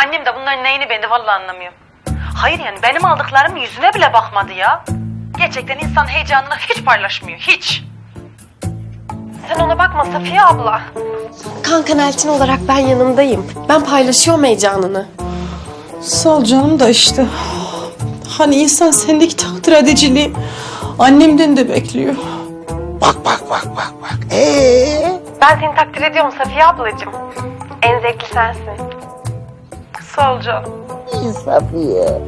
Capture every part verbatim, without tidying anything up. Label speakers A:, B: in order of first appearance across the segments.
A: Annem de bunların neyini ben de vallahi anlamıyorum. Hayır yani benim aldıklarım yüzüne bile bakmadı ya. Gerçekten insan heyecanını hiç paylaşmıyor, hiç. Sen ona bakma Safiye abla.
B: Kankan Elçin olarak ben yanındayım. Ben paylaşıyorum heyecanını.
C: Sağ ol canım da işte. Hani insan sendeki takdir ediciliği annemden de bekliyor.
D: Bak bak bak bak bak. Ee?
B: Ben seni takdir ediyorum Safiye ablacığım. En zevkli sensin.
A: Sağ ol canım.
D: Safiye.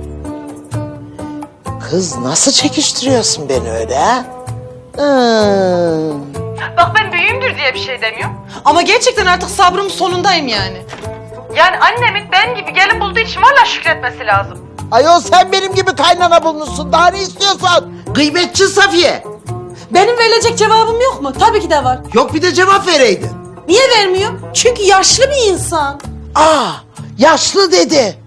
D: Kız nasıl çekiştiriyorsun beni öyle ha? Hmm.
A: Bak ben büyüğümdür diye bir şey demiyorum.
C: Ama gerçekten artık sabrımın sonundayım yani.
A: Yani annemin ben gibi gelin bulduğu için vallahi şükretmesi lazım.
D: Ayol sen benim gibi kaynana bulmuşsun. Daha ne istiyorsan? Gıybetçi Safiye.
C: Benim verilecek cevabım yok mu? Tabii ki de var.
D: Yok bir de cevap vereydin.
C: Niye vermiyor? Çünkü yaşlı bir insan.
D: Aa, yaşlı dedi.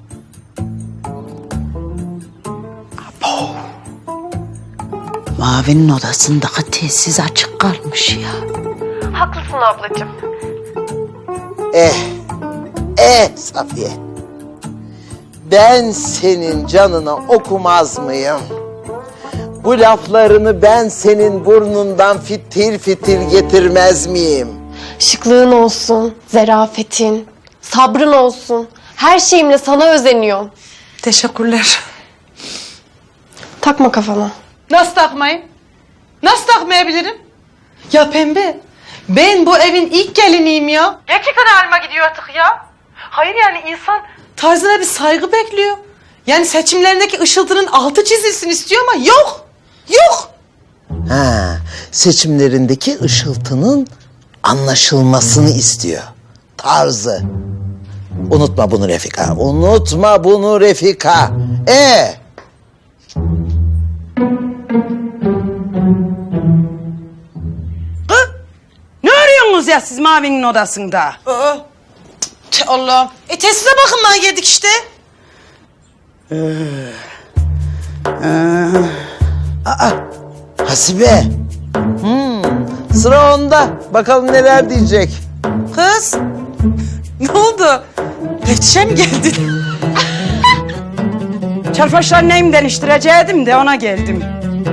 E: Mavi'nin odasındaki telsiz açık kalmış ya.
B: Haklısın ablacığım.
D: Eh, eh Safiye. Ben senin canına okumaz mıyım? Bu laflarını ben senin burnundan fitil fitil getirmez miyim?
B: Şıklığın olsun, zarafetin, sabrın olsun. Her şeyimle sana özeniyorum.
C: Teşekkürler.
B: Takma kafana.
C: Nasıl takmayayım? Nasıl takmayabilirim? Ya Pembe, ben bu evin ilk geliniyim ya.
A: Gerçekten halime gidiyor artık ya. Hayır yani insan...
C: Tarzına bir saygı bekliyor. Yani seçimlerindeki ışıltının altı çizilsin istiyor ama yok. Yok.
D: Ha, seçimlerindeki ışıltının anlaşılmasını istiyor. Tarzı. Unutma bunu Refika. Unutma bunu Refika. Ee?
E: Ne arıyorsunuz ya siz Mavi'nin odasında?
C: Aa, tüh Allah'ım. E tesize bakınmaya geldik işte.
D: Aa, Hasibe. Hmm, sıra onda. Bakalım neler diyecek.
C: Kız. Ne oldu? Teftişe mi geldin?
E: Çarpaşlar neyim değiştireceğim de ona geldim.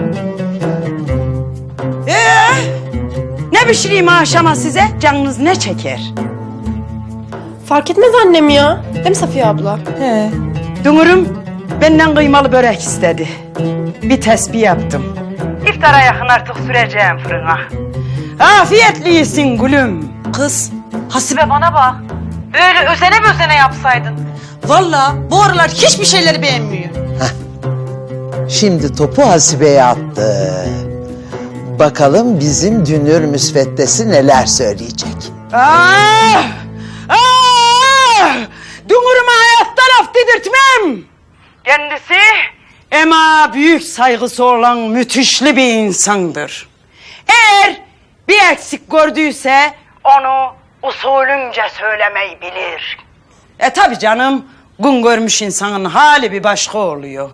E: Ee, ne pişireyim akşama size? Canınız ne çeker?
B: Fark etmez annem ya. Değil mi Safiye abla?
C: He.
E: Dumurum benden kıymalı börek istedi. Bir tesbih yaptım. İftara yakın artık süreceğim fırına. Afiyetli yesin gülüm.
C: Kız. Hasibe
A: Ve bana bak. Böyle özene özene yapsaydın.
C: valla bu aralar hiçbir şeyleri beğenmiyor.
D: Şimdi topu Hasibe'ye attı. Bakalım bizim dünür müsveddesi neler söyleyecek.
E: Ah! Ah! Dumuruma hayatta laf dedirtmem. Kendisi ama büyük saygısı olan müthişli bir insandır. Eğer bir eksik gördüyse onu usulünce söylemeyi bilir. E tabi canım, gün görmüş insanın hali bir başka oluyor.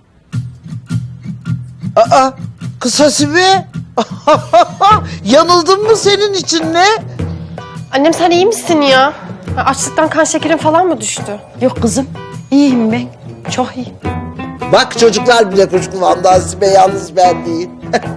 D: Aa, kız Hasibe. Yanıldın mı senin için ne?
B: Annem sen iyi misin ya? Ha, açlıktan kan şekerin falan mı düştü?
E: Yok kızım, iyiyim ben, çok iyiyim.
D: Bak çocuklar bile kuşkulandı Hasibe, yalnız ben değil.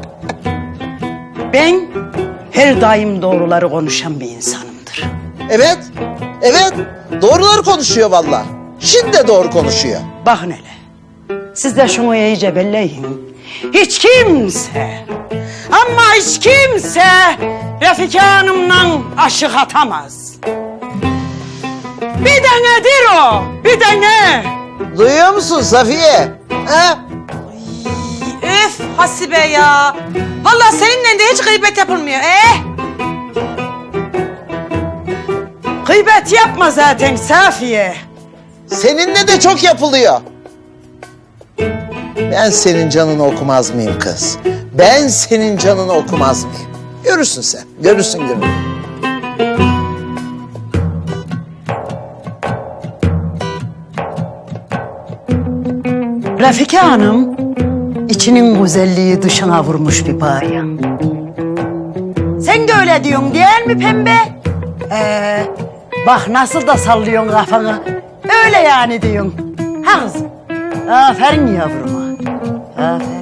E: Ben her daim doğruları konuşan bir insanımdır.
D: Evet, evet. Doğruları konuşuyor vallahi. Şimdi de doğru konuşuyor.
E: Bakın hele, siz de şunu iyice belleyin. Hiç kimse, ama hiç kimse Refika Hanım'la aşık atamaz. Bir denedir o, bir dene.
D: Duyuyor musun Safiye? Ha?
C: Öf Hasibe ya. Vallahi seninle de hiç gıybet yapılmıyor. Eh?
E: Gıybet yapma zaten Safiye.
D: Seninle de çok yapılıyor. Ben senin canını okumaz mıyım kız? Ben senin canını okumaz mıyım? Görürsün sen, görürsün gülüm.
E: Refika Hanım, içinin güzelliği dışına vurmuş bir bayan. Sen de öyle diyorsun değil mi Pembe? Ee, bak nasıl da sallıyorsun kafanı. Öyle yani diyorsun. Ha kızım. Aferin yavruma. Aferin.